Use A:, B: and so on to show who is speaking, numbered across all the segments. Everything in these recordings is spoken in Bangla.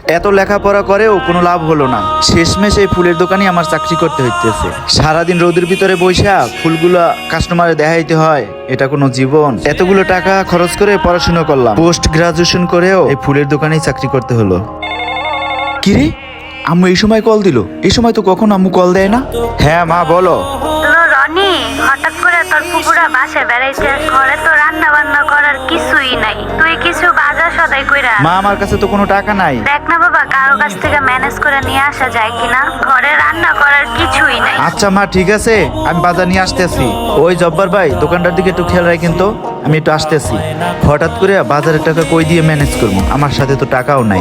A: এত লেখাপড়া করেও কোনো লাভ হলো না। শেষমেশ এই ফুলের দোকানে আমার চাকরি করতে হইতেছে। সারাদিন রোদের ভিতরে বইসা ফুলগুলো কাস্টমারে দেখাইতে হয়, এটা কোনো জীবন? এতগুলো টাকা খরচ করে পড়াশোনা করলাম, পোস্ট গ্রাজুয়েশন করেও এই ফুলের দোকানেই চাকরি করতে হলো। কিরে, আম্মু এই সময় কল দিল? এই সময় তো কখন আম্মু কল দেয় না। হ্যাঁ মা বলো।
B: রনি, হঠাৎ করে তোর পুকুরা বাসায় বেড়াইতে, ঘরে তো রান্না বান্না করার কিছুই নাই, তুই কিছু বাজার সদাই কইরা।
A: মা আমার কাছে তো কোনো টাকা নাই।
B: দেখ না বাবা, কারো কাছ থেকে ম্যানেজ করে নিয়ে আসা যায় কিনা, ঘরে রান্না করার কিছুই নাই।
A: আচ্ছা মা ঠিক আছে, আমি বাজার নিয়ে আসতেছি। ওই জব্বার ভাই, দোকানটার দিকে একটু খেয়াল রাখেন তো, আমি একটু আসতেছি। হঠাৎ করে বাজারের টাকা কই দিয়ে ম্যানেজ করবো? আমার সাথে তো টাকাও নাই।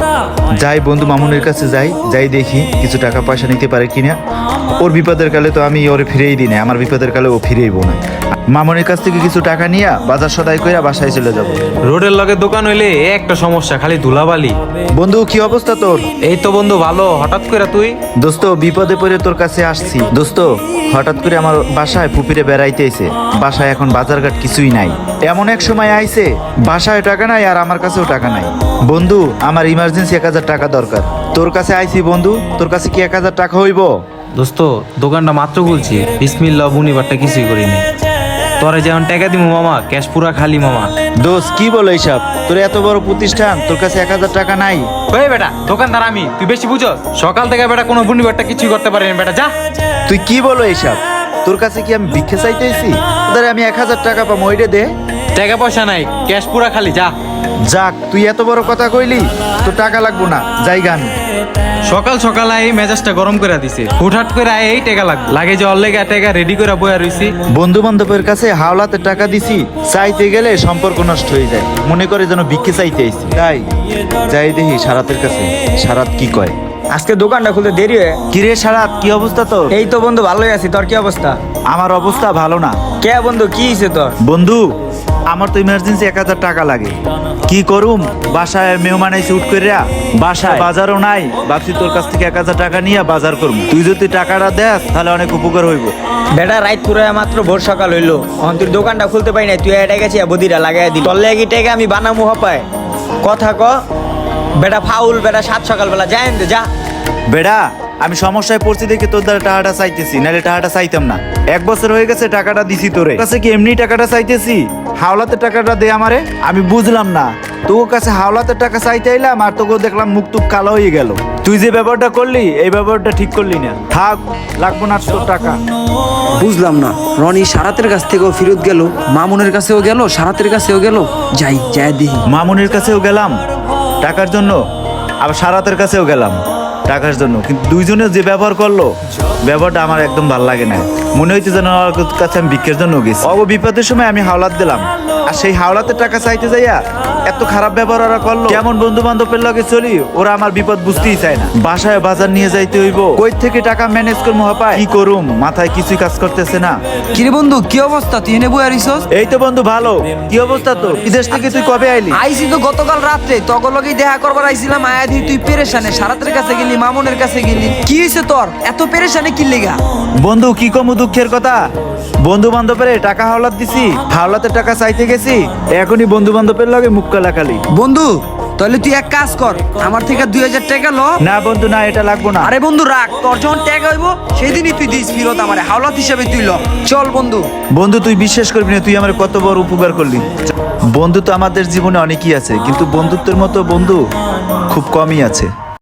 A: যাই বন্ধু মামুনের কাছে যাই দেখি কিছু টাকা পয়সা নিতে পারে কিনা। ওর বিপদের কালে তো আমি ওরে ফিরেই দিই না, আমার বিপদের কালে ও ফিরেইব না। মামুনের কাছ থেকে কিছু টাকা নিয়ে বাজার সদাই কইরা বাসায় চলে যাব।
C: রোডের লগে দোকান হইলে একটা সমস্যা, খালি ধুলাবালি।
A: বন্ধু কি অবস্থা তোর?
C: এই তো বন্ধু ভালো, হঠাৎ করে তুই?
A: দোস্ত বিপদে পড়ে তোর কাছে আসছি। দোস্ত হঠাৎ করে আমার বাসায় পুপিরে বেড়াইতে আইছে, বাসায় এখন বাজারঘাট কিছুই নাই। এমন এক সময় আইছে বাসায় টাকা নাই আর আমার কাছেও টাকা নাই। বন্ধু আমার ইমার্জেন্সি 1000 টাকা দরকার, তোর কাছে আইছি বন্ধু। তোর কাছে কি 1000 টাকা হইব?
C: দোস্ত দোকানটা মাত্র খুলছি, বিসমিল্লাহ বুনিবারটা কিছুই করিনি। তোরে যেমন টাকা দিমু মামা, ক্যাশ পুরা খালি মামা।
A: দোস্ত কি বলো এইসব? তোর এত বড় প্রতিষ্ঠান, তোর কাছে 1000 টাকা নাই?
C: ওই বেটা দোকানদার আমি, তুই বেশি বুঝস? সকাল থেকে বেটা কোনো বুনিবারটা কিছুই করতে পারিনি বেটা, যা।
A: তুই কি বলো এইসব? তোর কাছে কি আমি ভিক্ষা চাইতেছি? তোদের আমি 1000 টাকা পাবো, ওইটা দে।
C: টাকা পয়সা নাই, ক্যাশ পুরা খালি, যা।
A: যাক তুই এত বড় কথা কইলি, তোর টাকা লাগবো না, জায়গা আমি।
C: সকাল সকাল এই মেজাজটা গরম করে দিছে, হুটহাট করে এই টাকা লাগে যে অল্লেগা টাকা রেডি করে বয়া রইছি।
A: বন্ধু বান্ধবের কাছে হাওলাতে টাকা দিছি, চাইতে গেলে সম্পর্ক নষ্ট হয়ে যায়, মনে করে যেন ভিক্ষে চাইতে আইছি। তাই যাই দেখি সারাতের কাছে, সারাত কি কয়।
D: আজকে দোকানটা খুলতে দেরি হয়ে।
A: কিরে সারাত, কি অবস্থা তোর?
D: এই তো বন্ধু ভালোই আছি, তোর কি অবস্থা?
A: আমার অবস্থা ভালো না।
D: কে বন্ধু, কি হয়েছে তোর?
A: বন্ধু আমার তো ইমার্জেন্সি 1000 টাকা লাগে, কি করুম? বাসায় মেহমান আইসে উঠ করিয়া, বাসায় বাজারও নাই। ভাবছি তোর কাছ থেকে 1000 টাকা নিয়ে বাজার করবো, তুই যদি টাকাটা দেস তাহলে অনেক উপকার হইব।
D: বেটা রাইত পুরো মাত্র ভোর সকাল হইলো, এখন তুই দোকানটা খুলতে পারি না, তুই এটা গেছি বদিরা লাগাই দিল। তোর লেগে টাকা আমি বানামু হপায়, কথা ক বেটা ফাউল। বেটা 7 সকালবেলা যাই দে, যা।
A: বেড়া আমি সমস্যায় পড়ছি দেখে তোর দ্বারা টাকাটা চাইতেছি, নাহলে টাকাটা চাইতাম না। 1 বছর হয়ে গেছে টাকাটা দিছি তোরে, কাছে কি এমনি টাকাটা চাইতেছি? হাওলাতে টাকাটা দে আমারে। আমি বুঝলাম না, তোর কাছে হাওলাতে টাকা চাইতে আইলাম আর তোকে দেখলাম মুখ টুক কালো হয়ে গেল। তুই যে ব্যাপারটা করলি এই ব্যাপারটা ঠিক করলি না। থাক, লাগবো না তোর টাকা।
E: বুঝলাম না, রনি সারাতের কাছ থেকেও ফেরত গেল, মামুনের কাছেও গেল, সারাতের কাছেও গেল। যাই দেখি।
A: মামুনির কাছেও গেলাম টাকার জন্য, আবার সারাতের কাছেও গেলাম টাকার জন্য, কিন্তু দুইজনে যে ব্যবহার করলো, ব্যবহারটা আমার একদম ভালো লাগে না। মনে হইতে যেন ওর কাছে আমি ভিক্ষের জন্য গেছি। অব বিপদের সময় আমি হাওলাত দিলাম, আর সেই হাওলাতের টাকা চাইতে যাইয়া এত খারাপ ব্যবহার ওরা করলো। কেমন বন্ধু বান্ধবের লগে চলি, ওরা আমার বিপদ বুঝতেই চায় না। বাসায় বাজার নিয়ে যাইতে হইব, কই থেকে টাকা ম্যানেজ করবো হপায়, কি করুম মাথায় কিছুই কাজ করতেছে না।
E: কিরে বন্ধু, কি অবস্থা? তুই এনে বই আরিসস?
A: এই তো বন্ধু ভালো। কি অবস্থা তোর? বিদেশ থেকে তুই কবে আইলি?
E: আইসি তো গতকাল রাত্রে, তখন লগেই দেখা করবার আইছিলাম। আয়া দিই তুই পেরেশানে, সারাতের কাছে গেলি, মামুনের কাছে গেলি। কি হয়েছে তোর? এত পেরেশানে কি লেগা?
A: বন্ধু কি কম দুঃখের কথা, বন্ধু বান্ধবের টাকা হাওলাত দিছি, হাওলাতের টাকা চাইতে গেছি, এখনই বন্ধু বান্ধবের লগে মুখ কালাকালি।
E: বন্ধু তাহলে তুই এক কাজ কর, আমার থেকে 2000 টাকা ল।
A: না বন্ধু না, এটা লাগবো না।
E: আরে বন্ধু রাখ, তোর যখন টাকা হইব সেদিনই তুই দিস ফিরত আমারে, হাওলাত হিসাবে তুই ল। চল বন্ধু।
A: বন্ধু তুই বিশ্বাস করবি না, তুই আমার কত বড় উপকার করলি। বন্ধু তো আমাদের জীবনে অনেকই আছে, কিন্তু বন্ধুত্বের মতো বন্ধু খুব কমই আছে।